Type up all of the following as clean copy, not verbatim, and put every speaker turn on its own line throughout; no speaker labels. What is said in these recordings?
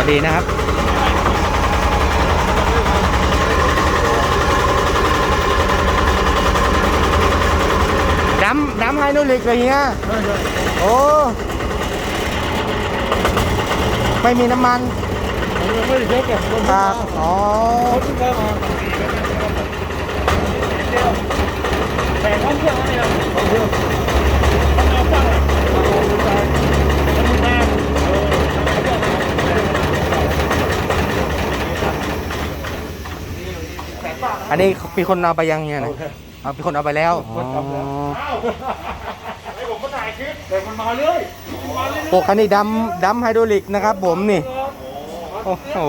ดีนะครับดำไฮโดรลิกเลยเฮียโอ้ไม่มีน้ำมัน
ไม่ได้เช็คอะ
ครับอ๋อ
แต่ท่องเที่ยวอะไรอ่ะท่องเที่ยวท่องเที่ยวฟังอ่ะ
อันนี้มีคนเอาไปยังเนี่ยนะเอามีคนเอาไปแล้วอ๋อ
ให้ผมมาถ่ายคลิปแต่มันมาเลย
พวกคันนี้ดำไฮโดรลิกนะครับผมนี่โอ้โห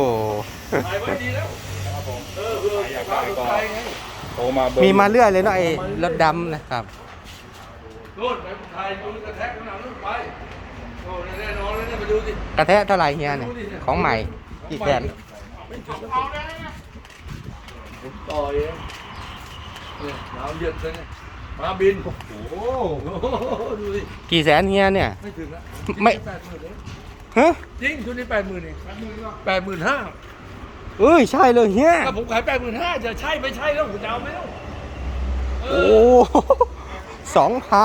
มีมาเรื่อยเลยเนาะไอ้รถดำนะครับ
นู่นไปถ่ายดูกระแทกข้างหลังนู่นไปโอ้แน่นอนเลยเนี่ยไปดูสิ
กระแทกเท่าไหร่เฮียเนี่ยของใหม่กี่แสน
ต่อยเนี่ยน้ำเดือดเลยมาบินโอ้โหดูสิ
กี่แสนเฮียเนี่ย
ไม่ถึงละ
ไม่
80,000เลย
ฮะ
จริงชุดนี้80,000เอง85,000
เอ้ยใช่เลยเฮีย
ถ้าผมขาย85,000จะใช่ไม่ใช่แล้วผมจะเอาไหมแล้ว
โอ้2 เผา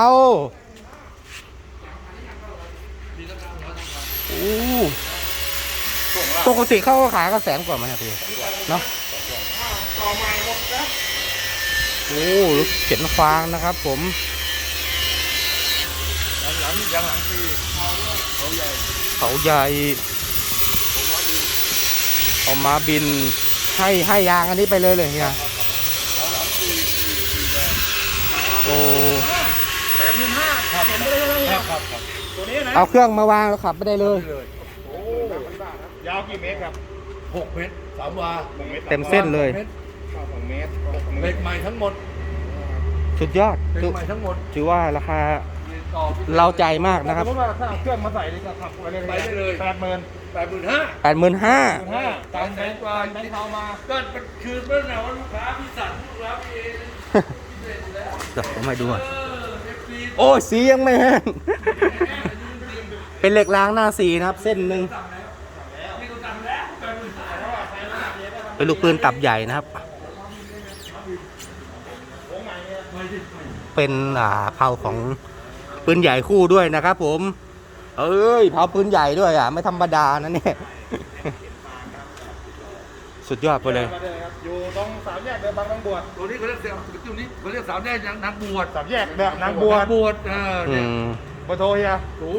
โอ้ปกติเขาขายก็100,000กว่ามั้ยพี่เนาะโอ้รถเข็นฟางนะครับผม
หลังปีเขาใหญ่
เอามาบินให้ยางอันนี้ไปเลยเนี่ยโอ้
85,000ขับไม่ได้เลยครับตัวนี้นะ
เอาเครื่องมาวางแล้วขับไม่ได้เลย
โอ้ยาวกี่เมตรครับ6 เมตร3 วา
เต็มเส้นเลย
2 เมตรเหล็กใหม่ทั้งหมด
สุดยอด
เหล็กใหม่ทั้งหมด
ถือว่าราคาเราใจมากนะครับ
สมมติว่าถ้าเอาเครื่องมาใส่เลยก็ขับไปได้เลย85,000ตามแบงค์กว่าแบงค์เขามาก็คือเมื่อไหร่ว่าลูกค้าพี่สั่งลูกค้าพี่เอง
เดี๋ยวผมให้ดูโอ้สียังไม่แห้งเป็นเหล็กล้างหน้าสีนะครับเส้นหนึ่งเป็นลูกปืนตับใหญ่นะครับเป็นเผาของปืนใหญ่คู่ด้วยนะครับผมเอ้ยเผาปืนใหญ่ด้วยไม่ธรรมดานะเนี่ยสุดยอดไปเลย
อยู่ตรง3 แยกเดินบางนางบวชตัวนี้เขาเรียก3 แยกนางบวช3 แยกแบบนางบวชเนี่ยเบอร์โทรเฮีย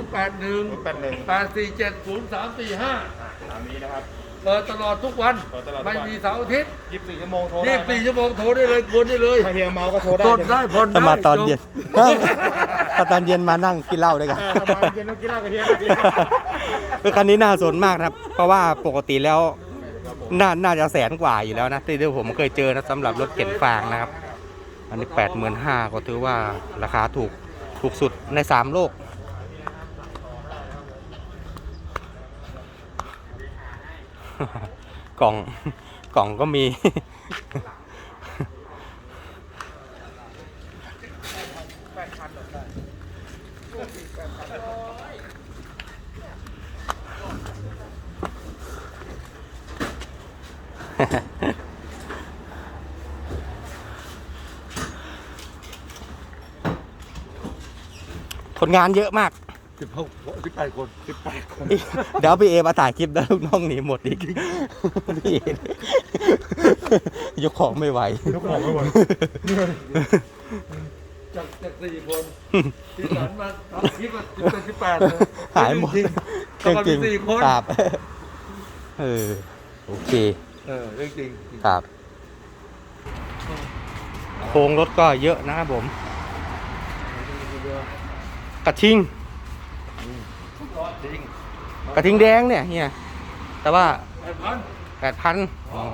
081 847 0345ตามนี้นะครับเปิดตลอดทุกวันไม่มีเสาร์อาทิตย์24 ชั่วโมงโทรได้24 ชั่วโมงโทรได้เลยกวนได้เลยถ้าเฮียเมาก็โทรได้กดได้ผ่อนได้
มาตอนเย็นถ้าตอนเย็นมานั่งกินเหล้าด้วยกัน
มาเย็นกินเหล้ากับเฮีย
คือคันนี้น่าสนมากนะครับเพราะว่าปกติแล้วน่าจะ100,000 กว่าอยู่แล้วนะที่ผมเคยเจอนะสำหรับรถเข็นฟางนะครับอันนี้85,000ก็ถือว่าราคาถูกสุดใน3 โลกกล่องก็มีคนงานเยอะมาก
18 คน
เดี๋ยวพี่เอมาถ่ายคลิปแล้วลูกน้องหนีหมดอีกพี่เอยกของไม่ไหว
จาก4 คนที่หลังมาทำคลิป18
หายหมดจริง
4 คน
ครับโอเค
เรื่องจริง
ครับโครงรถก็เยอะนะครับผมกระทิงแดงเนี่ยเฮียแต่ว่า 8,000อ๋อ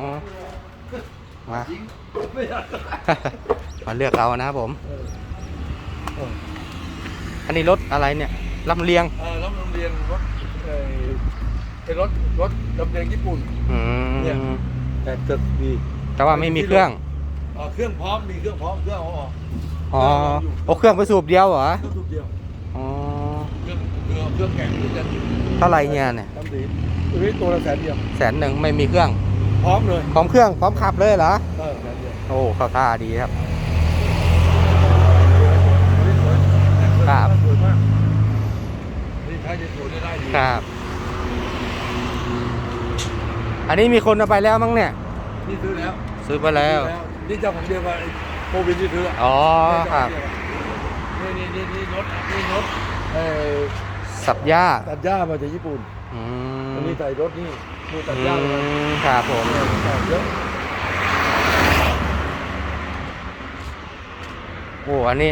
มาเลือกเอานะครับผมอันนี้รถอะไรเนี่ยลำเลียง
รถลำเลียงเป็นรถลำเลียงญี่ปุ่นเนี่ยแต่ตึกดี
แต่ว่าไม่มีเครื่อง
พร้อมมีเครื่องพร้อมเครื่อง
อ๋อเครื่องไปสูบเดียวเหรอ
สูบเดียว
อ๋อ
เครื่องแข่ง
เท่าไรเนี่ย
น้ำดีตัวนี้ตัวละ100,000เดียว
100,000ไม่มีเครื่อง
พร้อมเลย
พร้อมเครื่องพร้อมขับเลยเหรอ
100,000เดียว
โอ้เข้าท่าดีครับ ครับ
สวยมากนี่ใช้ในสวนได้ดี
ครับ อันนี้มีคนเอาไปแล้วมั้งเนี่ย
นี่ซื้อแล้ว
ซื้อไปแล้ว
นี่เจ้าของเดียวกับโควิดที่ซื้อ
อ๋อครับ
นี่รถ
สับหญ้า
ตัดหญ้ามาจากญี่ปุ่น
อืม
อันนี้ใส่รถนี่ตัดหญ้ามา
ครับผม
เยอะ
โอ้อันนี้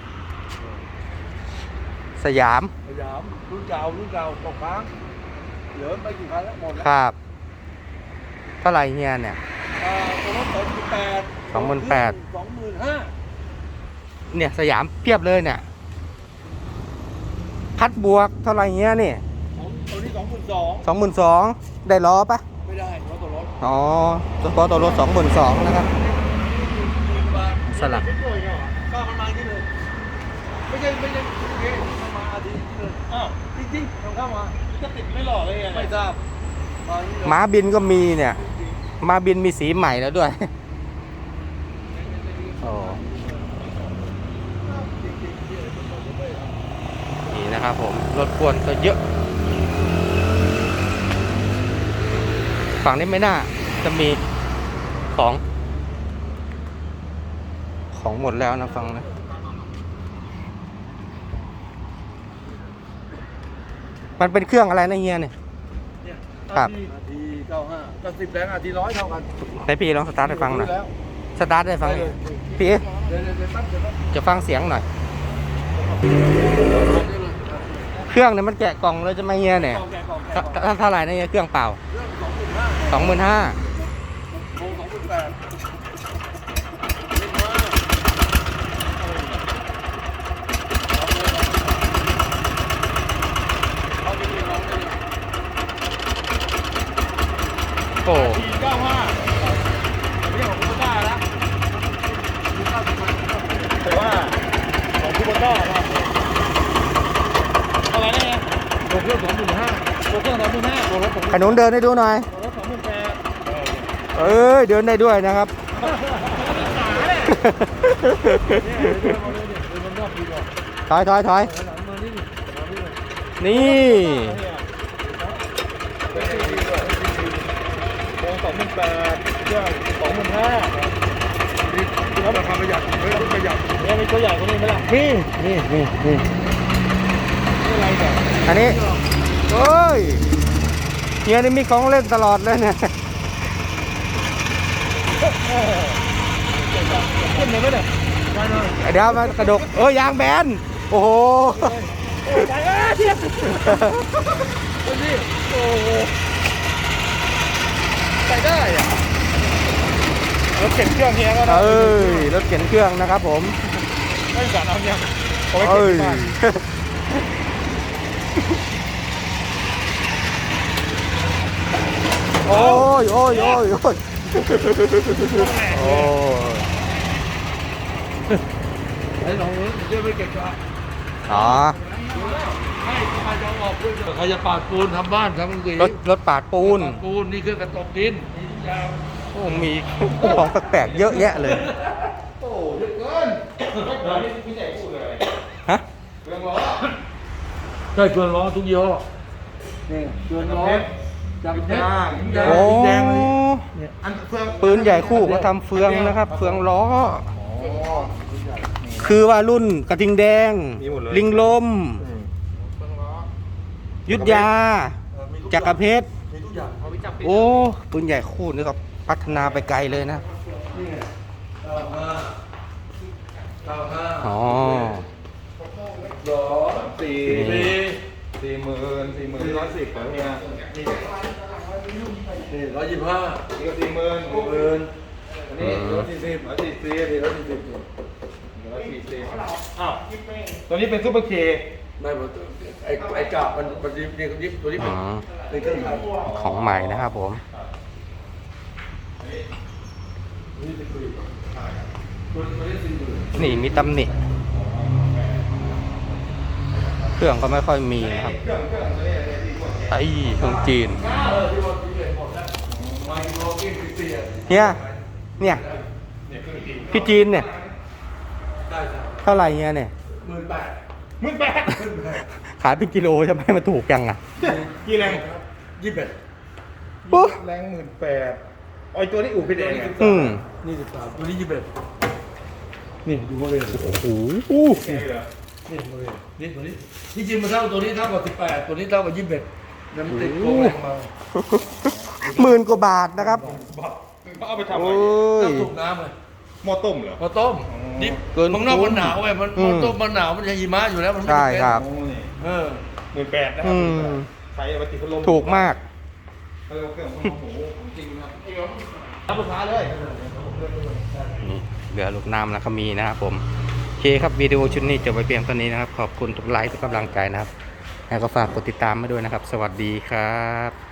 สยาม
สยามรุ่นเก่าตกค้างเหลือไม่กี่คันแล้วหมดแล้ว
ครับ เท่าไหร่เฮียเนี่ย
ตัวรถ28,000 25,000
เนี่ยสยามเพียบเลยเนี่ย พัดบวกเท่าไหร่เฮียนี่
ตัวนี้22,000
22,000ได้ล้อปะ
ไม่ได้เพราะตัวรถ
อ๋อตัวรถ22,000นะครับ สลัก
ก็มันมาที่เลยไม่ใช่มันมาอาทิตย์นี้เลยอ้าวจริงๆเข้ามาจะติดไม่หล่อเลยไม่ทราบ
ม้าบินก็มีเนี่ยม้าบินมีสีใหม่แล้วด้วยโอ้นี่นะครับผมรถกวนก็เยอะ ฝั่งนี้ไม่น่าจะมีของหมดแล้วนะฝั่งนะมันเป็นเครื่องอะไรนะเฮียเนี่ย ครับ
อาที95กับ10แรงอาที100เท่ากัน
ให้พี่ลองสตาร์ทให้ฟังหน่อยสตาร์ทให้ฟังหน่อยพี่
เดี๋ยวแป๊บเดี๋ยว
จะฟังเสียงหน่อย เครื่องเนี่ยมันแกะกล่องเลยจะไม่เฮียเนี่ย เท่าไหร่นะเฮียเครื่องเปล่า 25,000
โค้ง28,000
โอ้
495อันนี้ของคูเปอร์ต้าแล้วแต่ว่าของคูเปอร์ต้าครับอะไรเนี่ยตัวเครื่อง25,000ตัวเครื่อง25,000ตัวรถ25,000
ขนุนเดินให้ดูหน่อย
ตัวรถ28,000
เอ้ยเดินได้ด้วยนะครับ ถอย นี่
แล้วราคาประหยัดเฮ้ยประหยัด
เนี่ยมีตัวใหญ่กว่านี้ไหมล่ะ
นี่
นี่อะไรเนี่ย
อันนี้เอ้ยเฮียนี่มีของเล่นตลอดเลยเนี่ย
ขึ้นเลยไหมเนี่ย
ได้เลย
เดี๋ยวมากระดกยางแบน โอ้โห
ไปเทียบ
ดูสิ
โอ้โห
ใส่ได้อะ
รถเข็นเครื่องเฮียก็ได้
รถเข็นเครื่องนะครับผม
ไม่สารเอาเนี่ยเอาไว้
เอ้
เข็น
ย
บ้าน
โอ้ยโอ้ย
ให้ลองเลยเดี๋ยวไปเก็บกระ
อ๋อ
ให้ใครจะออกด้วยใครจะปาดปูนทำบ้านทำอะไร
รถปาดปูน
ปาดปูนนี่เครื่องกระตกดินยาว
โอ้มีของแปลกๆเยอะแยะเลย
โอ้เยอะเกิน
พี่ใหญ่พูดเลย
ฮะ
เครื่องล้อ
ใช่เฟืองล้อทุกยี่ห้อนี่เฟืองล้อจากเพชร
โอ้
แดงเลยเนี่ยอันเฟือง
ปืนใหญ่คู่ก็ทำเฟืองนะครับ เฟืองล้อ คือว่ารุ่นกระทิงแดง ลิงลม ยุทธยา จักรเพชร
มีทุกอย่าง
โอ้ปืนใหญ่คู่นี่ก็พัฒนาไปไกลเลยนะ
นี่ไง95
อ๋อ
40,000เนี่ย
นี่125
นี่ก็40,000 60,000อันนี้140 อ้าวตัวนี้เป็นซุปเปอร์เค
ไม่ไอ้กาบมันยิบตัวนี้
อ๋อ
เป็นเครื่องขาย
ของใหม่นะครับผม นี่มีตำหนิ เครื่องก็ไม่ค่อยมีนะครับไอ้เครื่องจีน
5,000
ที่ว่าที่เห็นหมดแล้วมากิโลกินเสีย
เนี่ยพี่จีนเนี่ย
ได้จ้ะ
เท่าไหร่เงี้ยเนี่ย
18,000
ขายเป็นกิโลใช่ไหมมันถูกจังอ่ะ
กี่แรง
21
โอ้
แรง18,000ไอ้ตัวนี้อู่พี่แดงไง
อืม
นี่13ตัวนี้21
นี่ดูมาเลย
โอ้โห
นี่เหรอ
นี่ตัวนี้นี่ตัวนี้ที่จริงมันเท่าตัวนี้เท่ากับ18ตัวนี้เท่ากับ21น้ำติดโกงแรงมา
10,000 กว่าบาทนะครับ
เขาเอาไปทำอะไร
โอ้ย
ต้องสูบน้ำเลย
หม้อต้มเหรอ
พอต้มนี่
เกิน
เมืองนอก
คุ้
มัน
ม
หนาวไงมัน
อืม
พอต้มมันหนาวมันจะหิมะอยู่แล้วมันไม่
ใช่
เป็น
ครับ
โอ้นี่
เออ
18,000นะครั
อืม
ใช้เอาไปติดพัดลม
ถูกมาก
เขาเรียกว่าเครื่องของหมูของจริงครับ
รับลูกค้าเลย
นี่เหลือลูกน้ำแล้วก็มีนะครับผมโอเคครับวิดีโอชุดนี้จบไปเพียงเท่านี้นะครับ ขอบคุณทุกไลค์ทุกกำลังใจนะครับแล้วก็ฝากกดติดตามมาด้วยนะครับ สวัสดีครับ